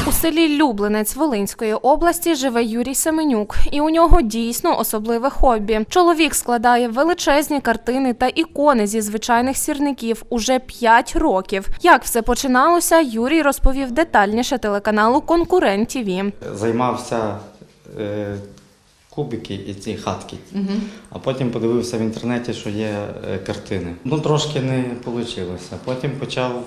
У селі Люблинець Волинської області живе Юрій Семенюк, і у нього дійсно особливе хобі. Чоловік складає величезні картини та ікони зі звичайних сірників уже 5 років. Як все починалося, Юрій розповів детальніше телеканалу «Конкурент ТВ». Займався кубики і ці хатки, а потім подивився в інтернеті, що є картини. Трошки не вийшло. Потім почав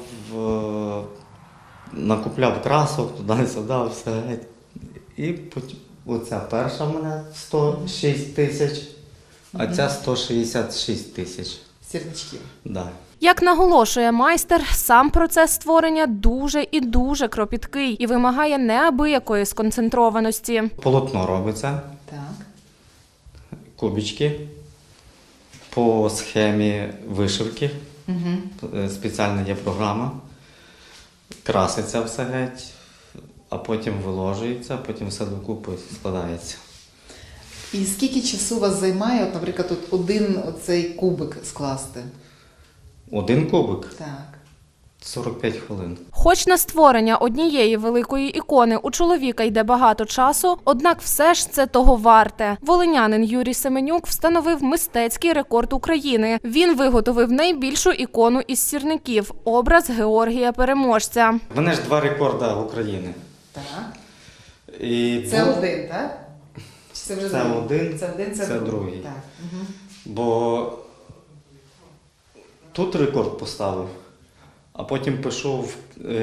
накупляв красок, туди-сюди, все. І оця перша в мене 106 тисяч, а ця 166 тисяч. Сірничків. Да. Як наголошує майстер, сам процес створення дуже і дуже кропіткий і вимагає неабиякої сконцентрованості. Полотно робиться, Так. кубички, по схемі вишивки, спеціальна є програма, краситься все геть, а потім виложується, потім все докупи складається. І скільки часу вас займає, от, наприклад, от один оцей кубик скласти? Один кубик Так. 45 хвилин. Хоч на створення однієї великої ікони у чоловіка йде багато часу, однак все ж це того варте. Волинянин Юрій Семенюк встановив мистецький рекорд України. Він виготовив найбільшу ікону із сірників – образ Георгія Переможця. В мене ж 2 рекорди України. Так. І Це один, так? Чи це вже це другий? один, Це один, це другий. Так. Бо тут рекорд поставив, а потім пішов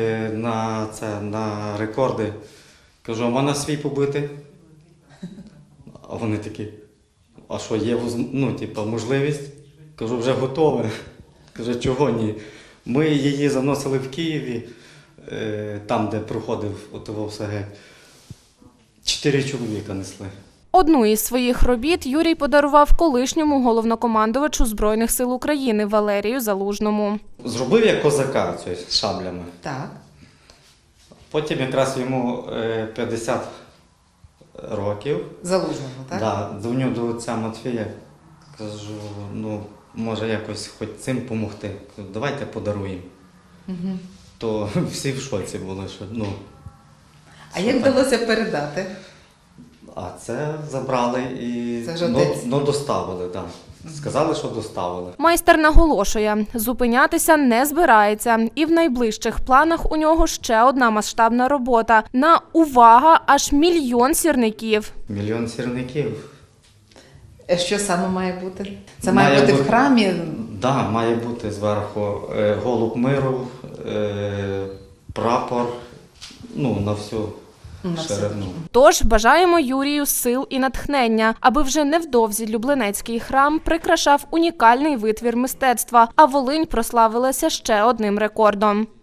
на рекорди. Кажу, а можна свій побити? А вони такі, а що, є можливість? Кажу, вже готове. Каже, чого ні? Ми її заносили в Києві, там, де проходив ОТВ-СГ. 4 чоловіка несли. Одну із своїх робіт Юрій подарував колишньому головнокомандувачу Збройних сил України Валерію Залужному. Зробив я козака з шаблями. Так. Потім якраз йому 50 років. Залужному, так? Да, дзвоню до отця Матвія, кажу, може якось хоч цим допомогти. Давайте подаруємо. То всі в шоці були, що А як вдалося передати? А це забрали і Це ж отець. доставили, так. Да. Сказали, що доставили. Майстер наголошує, зупинятися не збирається. І в найближчих планах у нього ще одна масштабна робота. На, увага, аж 1 мільйон сірників. 1 мільйон сірників. Що саме має бути? Це має бути в храмі? Так, да, має бути зверху голуб миру, прапор, на всю ширину. Тож бажаємо Юрію сил і натхнення, аби вже невдовзі Люблинецький храм прикрашав унікальний витвір мистецтва, а Волинь прославилася ще одним рекордом.